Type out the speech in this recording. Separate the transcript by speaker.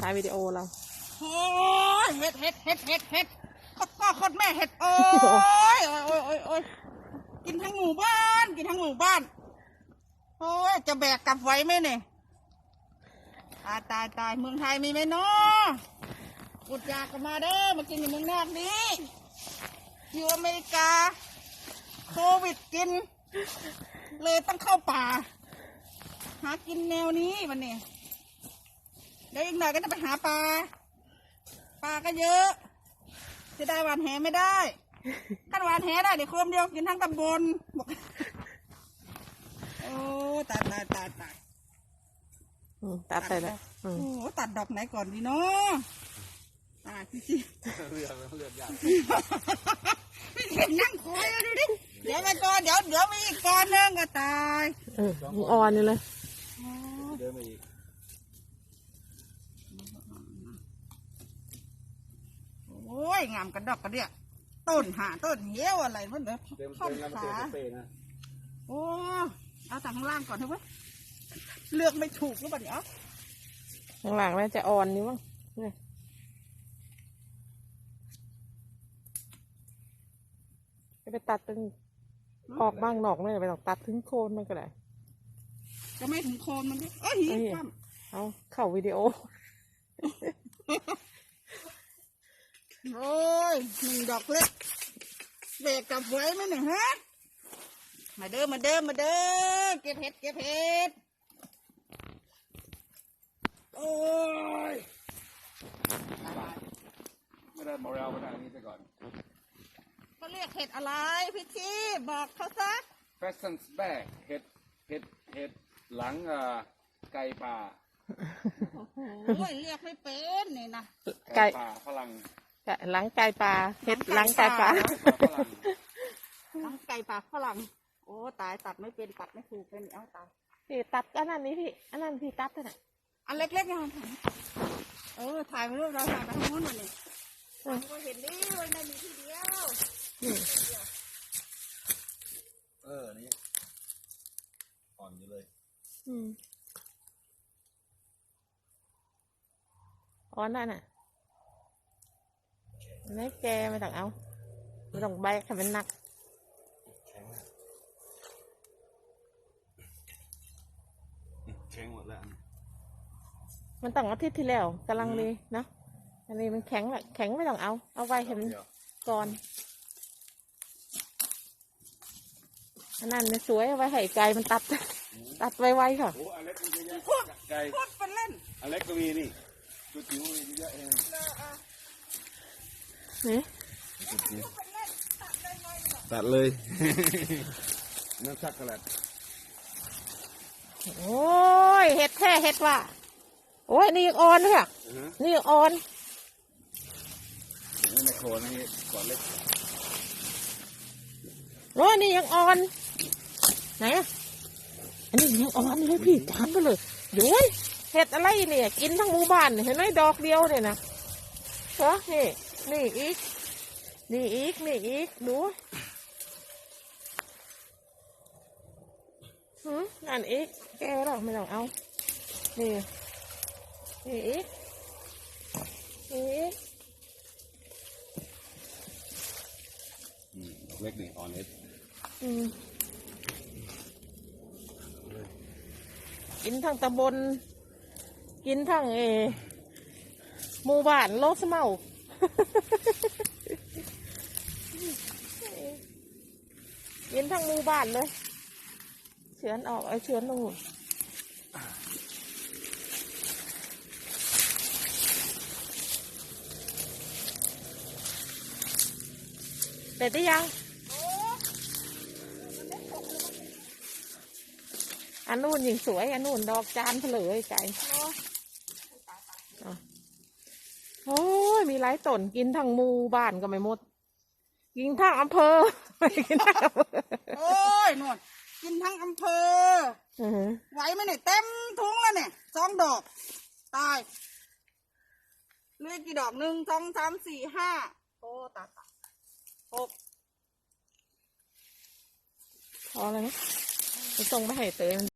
Speaker 1: ถ่ายวิดีโอเรา
Speaker 2: โอ้ยเห็ดก็โคตรแม่เห็ดโอ้ยกินทั้งหมู่บ้านโอ้ยจะแบกกลับไว้ไหมเนี่ยตายเมืองไทยมีไหมเนาะอุดยากกันมาเด้อมากินในเมืองนอกนี้อยู่อเมริกาโควิดกินเลยต้องเข้าป่าหากินแนวนี้วันนี้เดี๋ยวอีกหน่อยก็จะไปหาปลาก็เยอะจะได้หวานแหไม่ได้ถ้าหวานแหได้เดี๋ยวโคมเดียวกินทั้งตำบลบอกโอ้ตาย
Speaker 1: ตัดไปเลย
Speaker 2: โอ้ตัดดอกไหนก่อนดีเนาะตายพี่จีเลือกยากพี่เห็นนั่งคอยดูดิเดี๋ยวไปก่อนเดี๋ยวมีอีกก่อนนึงก็ตาย
Speaker 1: อ่อนอยู่เลย
Speaker 3: เดินมาอีก
Speaker 2: โอ้ยงามกระดอกกระเดี่ยต้นเหี้ยวอะไรมันเด้อข้อขาโอ้เอาจากข้างล่างก่อนเถอะเว้ยเลือกไม่ถูกหรือเปล่าเนี่ย
Speaker 1: ข้างหลังน่าจะอ่อนนี่มั้งไปตัดตรงออกบ้างหนอกไม่ไปหรอกตัดถึงโคนมันก็ได้
Speaker 2: จะไม่ถึงโคนมันดิ
Speaker 1: เอาเข้าวิดีโอ
Speaker 2: โอ้ยหนึ่งดอกเล็กเบรกกลับไว้ไหมเนี่ยฮะมาเด้อเก็บเห็ดโอ้ย
Speaker 3: ไม่ได้มอเรลมาทางนี้ไปก่อน
Speaker 2: เขาเรียกเห็ดอะไรพี่ชีบอกเขาซะ
Speaker 3: Pheasant's back เห็ดหลังไก่ป่า
Speaker 2: โอ้ยเรียกไม่เป็นนี่นะ
Speaker 3: ไก่ป่าฝรั่ง
Speaker 1: หลังไก่ป่าเห็ดหลังไก่ป่า
Speaker 2: หลังไก่ป่าฝรั่งโอ้ตายตัดไม่เป็นตัดไม่ถูกเป็นเอาตาย
Speaker 1: พี่ตัดอันนั้นนี่พี่อันนั้นพี่ตัดเท่าไหร่
Speaker 2: อันเล็กๆยังถ่ายมารูปเราถ่ายไปทางโน้นหมดเลยก็เห็นดิวันนั้นมีทีเดียว
Speaker 3: นี่อ่อนอยู่เลย
Speaker 1: อ่อนนั่นน่ะไม่แกไม่ต้องเอาไม่ต้องใบให้มันหนัก
Speaker 3: แข็งหมดแล้ว
Speaker 1: มันต้องอาทิตย์ที่แล้วกำลังดีเนาะอันนี้มันแข็งไม่ต้องเอาไว้ให้มันก่อนอันนั้นมันสวยเอาไว้ให้ไก่มันตัดไวๆค่ะ
Speaker 3: โอ้อเล็กมันเยอะไก่
Speaker 2: พูดเป็นเล่น
Speaker 3: อเล็กก็มีนี่ตัวจิ๋วมีเยอะเอง
Speaker 1: นี่
Speaker 3: ตัดเลยนั่นชักกระแลด
Speaker 1: โอ้ยเห็ดแท้เห็ดว่ะโอ้ยนี่ยังอ่อนเลยอ่ะนี่ยังอ่อน
Speaker 3: นี่ในโคนนี่ก่อนเล็ก
Speaker 1: โอ้ยนี่ยังอ่อนไหนอ่ะอันนี้ยังอ่อนเลยพี่จานไปเลยโอ้ยเห็ดอะไรเนี่ยกินทั้งหมู่บ้านเห็นไหมดอกเดียวเนี่ยนะเหรอนี่อีกดูนั่นอีกแกหรอไม่ต้องเอานี่อีก
Speaker 3: เล็กนี่อ่อนเล็ก
Speaker 1: กินทั้งตำบลกินทั้งหมู่บ้านโลสเมากินทั้งหมู่บ้านเลยเฉือนออกเฉือนลงเด็ดได้ยังอันนู้นยิงสวยอันนู้นดอกจานเผลอไก่โอ้ยมีหลายต้นกินทั้งหมู่บ้านก็ไม่หมดกินทั้งอำเภอ
Speaker 2: โอ้ยนวดกินทั้งอำเภอไหวไหมเนี่ยเต็มถุงแล้วเนี่ย2 ดอกตายเหลือกี่ดอก1 2 3 4 5โอ้ตาย6
Speaker 1: พอแล้วนะไปส่งไปให้เตย